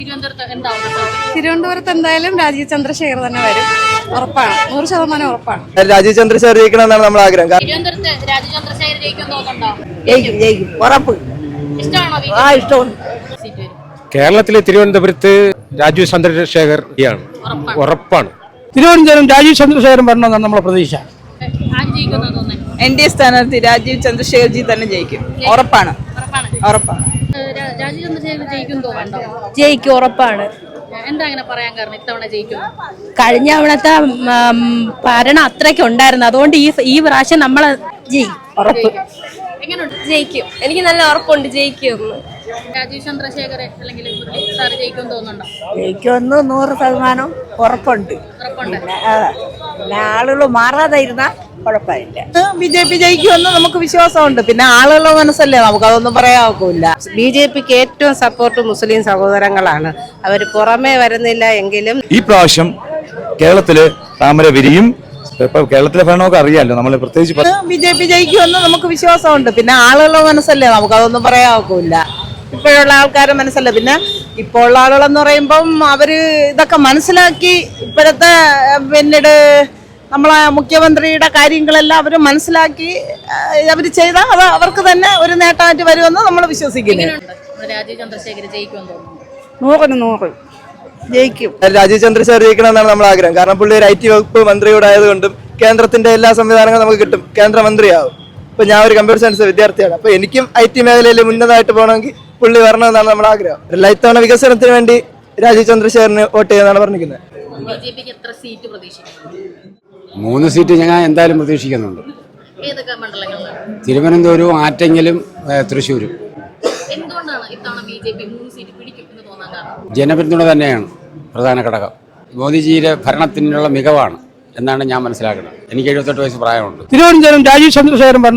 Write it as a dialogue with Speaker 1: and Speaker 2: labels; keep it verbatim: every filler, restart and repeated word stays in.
Speaker 1: തിരുവനന്തപുരത്ത് എന്തായാലും രാജീവ് ചന്ദ്രശേഖർ തന്നെ വരും, ഉറപ്പാണ്, നൂറ് ശതമാനം ഉറപ്പാണ്.
Speaker 2: രാജീവ് ചന്ദ്രശേഖർ ജയിക്കണം എന്നാണ് നമ്മുടെ ആഗ്രഹം.
Speaker 3: കേരളത്തിലെ തിരുവനന്തപുരത്ത് രാജീവ് ചന്ദ്രശേഖർ ഉറപ്പാണ്.
Speaker 4: തിരുവനന്തപുരം രാജീവ് ചന്ദ്രശേഖരൻ വരണമെന്നാണ് നമ്മളെ പ്രതീക്ഷ.
Speaker 5: എൻ ഡി എ സ്ഥാനാർത്ഥി രാജീവ് ചന്ദ്രശേഖർജി തന്നെ ജയിക്കും, ഉറപ്പാണ് ഉറപ്പാണ്
Speaker 6: രാജീവ് ചന്ദ്രശേഖർ ജയിക്കും തോന്നുന്നുണ്ടോ?
Speaker 7: ജയിക്കും, ഉറപ്പാണ്.
Speaker 6: എന്താ അങ്ങനെ പറയാൻ കാരണം ഇത്തവണ ജയിക്കും?
Speaker 7: കഴിഞ്ഞ തവണത്തെ ഭരണം അത്രയ്ക്ക് ഉണ്ടായിരുന്നു, അതുകൊണ്ട് ഈ ഈ പ്രാവശ്യം നമ്മളെ ജയിക്കും, ഉറപ്പ്.
Speaker 6: എങ്ങനെയുണ്ട്?
Speaker 7: ജയിക്കും, എനിക്ക് നല്ല ഉറപ്പുണ്ട് ജയിക്കും.
Speaker 6: രാജീവ് ചന്ദ്രശേഖർ അല്ലെങ്കിൽ സാർ ജയിക്കും തോന്നുന്നുണ്ടോ?
Speaker 8: ജയിക്കുമെന്ന് നൂറ് ശതമാനം ഉറപ്പുണ്ട്. പിന്നെ ആളുകൾ മാറാതെ ഇരുന്ന കുഴപ്പമില്ല.
Speaker 5: ബി ജെ പി ജയിക്കുമെന്ന് നമുക്ക് വിശ്വാസമുണ്ട്. പിന്നെ ആളുകളുടെ മനസ്സല്ലേ, നമുക്ക് അതൊന്നും പറയാൻ ഒക്കില്ല.
Speaker 9: ബി ജെ പിക്ക് ഏറ്റവും സപ്പോർട്ട് മുസ്ലിം സഹോദരങ്ങളാണ്. അവർ പുറമേ വരുന്നില്ല എങ്കിലും
Speaker 10: ഈ പ്രാവശ്യം കേരളത്തില് താമര വിരിയും. ഇപ്പൊ കേരളത്തിലെ ഭരണമൊക്കെ അറിയാലോ, നമ്മൾ പ്രത്യേകിച്ച്
Speaker 5: ബി ജെ പി ജയിക്കുമെന്ന് നമുക്ക് വിശ്വാസമുണ്ട്. പിന്നെ ആളുകളുടെ മനസ്സല്ലേ, നമുക്ക് അതൊന്നും പറയാൻ ഒക്കില്ല. ഇപ്പോഴുള്ള ആൾക്കാരുടെ മനസ്സല്ല. പിന്നെ ഇപ്പോൾ ഉള്ള ആളുകളെന്ന് പറയുമ്പം അവര് ഇതൊക്കെ മനസ്സിലാക്കി ഇപ്പോഴത്തെ പിന്നീട് നമ്മളെ മുഖ്യമന്ത്രിയുടെ കാര്യങ്ങളെല്ലാം അവർ മനസ്സിലാക്കി അവർ ചെയ്താൽ അത് അവർക്ക് തന്നെ ഒരു നേട്ടമായിട്ട് വരുമെന്ന് നമ്മൾ വിശ്വസിക്കുന്നു.
Speaker 6: രാജീവ് ചന്ദ്രശേഖർ ജയിക്കും തോന്നുന്നു.
Speaker 8: നൂറിന് നൂറ് ജയിക്കും.
Speaker 2: രാജീവ് ചന്ദ്രശേഖർ ജയിക്കണം എന്നാണ് നമ്മുടെ ആഗ്രഹം. കാരണം പുള്ളി ഒരു ഐ ടി വകുപ്പ് മന്ത്രിയോട് ആയതുകൊണ്ടും കേന്ദ്രത്തിന്റെ എല്ലാ സംവിധാനങ്ങളും നമുക്ക് കിട്ടും, കേന്ദ്രമന്ത്രിയാവും. ഇപ്പൊ ഞാൻ ഒരു കമ്പ്യൂട്ടർ സയൻസ് വിദ്യാർത്ഥിയാണ്. അപ്പൊ എനിക്കും ഐ ടി മേഖലയിൽ ഉന്നതമായിട്ട് പോകണമെങ്കിൽ പുള്ളി വരണമെന്നാണ് നമ്മുടെ ആഗ്രഹം. എല്ലാ ഇത്തവണ വികസനത്തിന് വേണ്ടി രാജീവ് ചന്ദ്രശേഖറിന് വോട്ട് ചെയ്യുന്നതാണ് പറഞ്ഞിരിക്കുന്നത്.
Speaker 6: ബി ജെ പിക്ക് എത്ര സീറ്റ് പ്രതീക്ഷിക്കുന്നു?
Speaker 3: മൂന്ന് സീറ്റ് ഞാൻ എന്തായാലും പ്രതീക്ഷിക്കുന്നുണ്ട്.
Speaker 6: ഏതൊക്കെ മണ്ഡലങ്ങളിലാണ്?
Speaker 3: തിരുവനന്തപുരവും ആറ്റെങ്കിലും തൃശ്ശൂരും.
Speaker 6: എന്തുകൊണ്ടാണ് ഇത്തവണ ബി ജെ പി മൂന്ന് സീറ്റ് പിടിക്കും എന്ന് തോന്നാൻ കാരണം?
Speaker 3: ജനപിന്തുണ തന്നെയാണ് പ്രധാന ഘടകം. മോദിജിയുടെ ഭരണത്തിനുള്ള മികവാണ് എന്നാണ് ഞാൻ മനസ്സിലാക്കുന്നത്. എനിക്ക് എഴുപത്തെട്ട് വയസ്സ് പ്രായമുണ്ട്.
Speaker 4: തിരുവനന്തപുരം രാജീവ് ചന്ദ്രശേഖരൻ